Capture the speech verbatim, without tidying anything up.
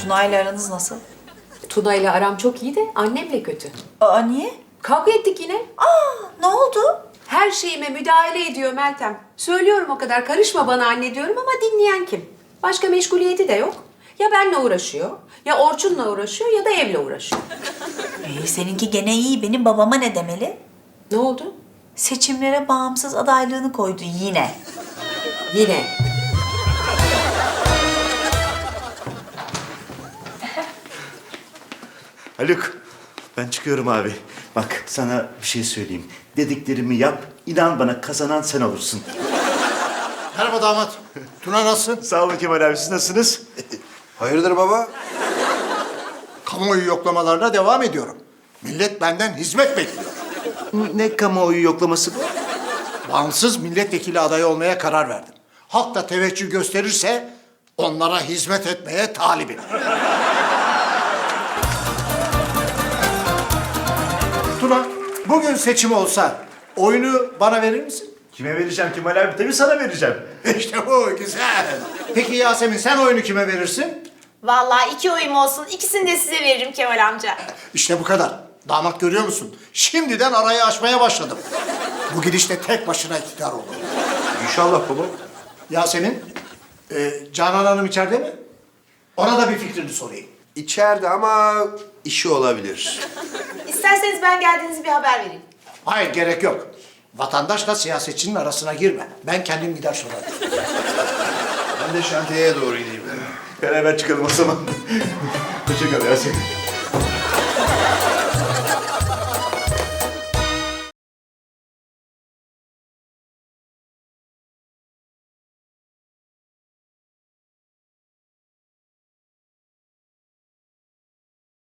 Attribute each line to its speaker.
Speaker 1: Tuna ile aranız nasıl?
Speaker 2: Tuna ile aram çok iyi de annemle kötü.
Speaker 1: Aa niye?
Speaker 2: Kavga ettik yine.
Speaker 1: Aa ne oldu?
Speaker 2: Her şeyime müdahale ediyor Meltem. Söylüyorum o kadar, karışma bana anne diyorum ama dinleyen kim? Başka meşguliyeti de yok. Ya benle uğraşıyor, ya Orçun'la uğraşıyor ya da evle uğraşıyor.
Speaker 1: Ee, seninki gene iyi. Benim babama ne demeli?
Speaker 2: Ne oldu?
Speaker 1: Seçimlere bağımsız adaylığını koydu yine.
Speaker 2: Yine.
Speaker 3: Haluk, ben çıkıyorum abi. Bak sana bir şey söyleyeyim. Dediklerimi yap, inan bana kazanan sen olursun.
Speaker 4: Merhaba damat. Tuna nasılsın?
Speaker 3: Sağ olun Kemal abi, siz nasılsınız?
Speaker 4: Hayırdır baba? Kamuoyu yoklamalarına devam ediyorum. Millet benden hizmet bekliyor.
Speaker 3: Ne kamuoyu yoklaması bu?
Speaker 4: Bağımsız milletvekili adayı olmaya karar verdim. Halk da teveccüh gösterirse onlara hizmet etmeye talibim. Tuna, bugün seçim olsa oyunu bana verir misin?
Speaker 3: Kime vereceğim Kemal abi? Tabii sana vereceğim.
Speaker 4: İşte bu, güzel. Peki Yasemin, sen oyunu kime verirsin?
Speaker 5: Vallahi iki oyum olsun, ikisini de size veririm Kemal amca.
Speaker 4: İşte bu kadar. Damat görüyor musun? Şimdiden arayı açmaya başladım. Bu gidişle tek başına iktidar olur.
Speaker 3: İnşallah baba.
Speaker 4: Yasemin, e, Canan Hanım içeride mi? Ona da bir fikrini sorayım.
Speaker 6: İçeride ama işi olabilir.
Speaker 5: İsterseniz ben geldiğinizi bir haber vereyim.
Speaker 4: Hayır, gerek yok. Vatandaşla siyasetçinin arasına girme. Ben kendim gider sorarım.
Speaker 6: Ben de şantiyeye doğru gideyim.
Speaker 3: Beraber çıkalım o zaman. Hoşça kal Yasemin.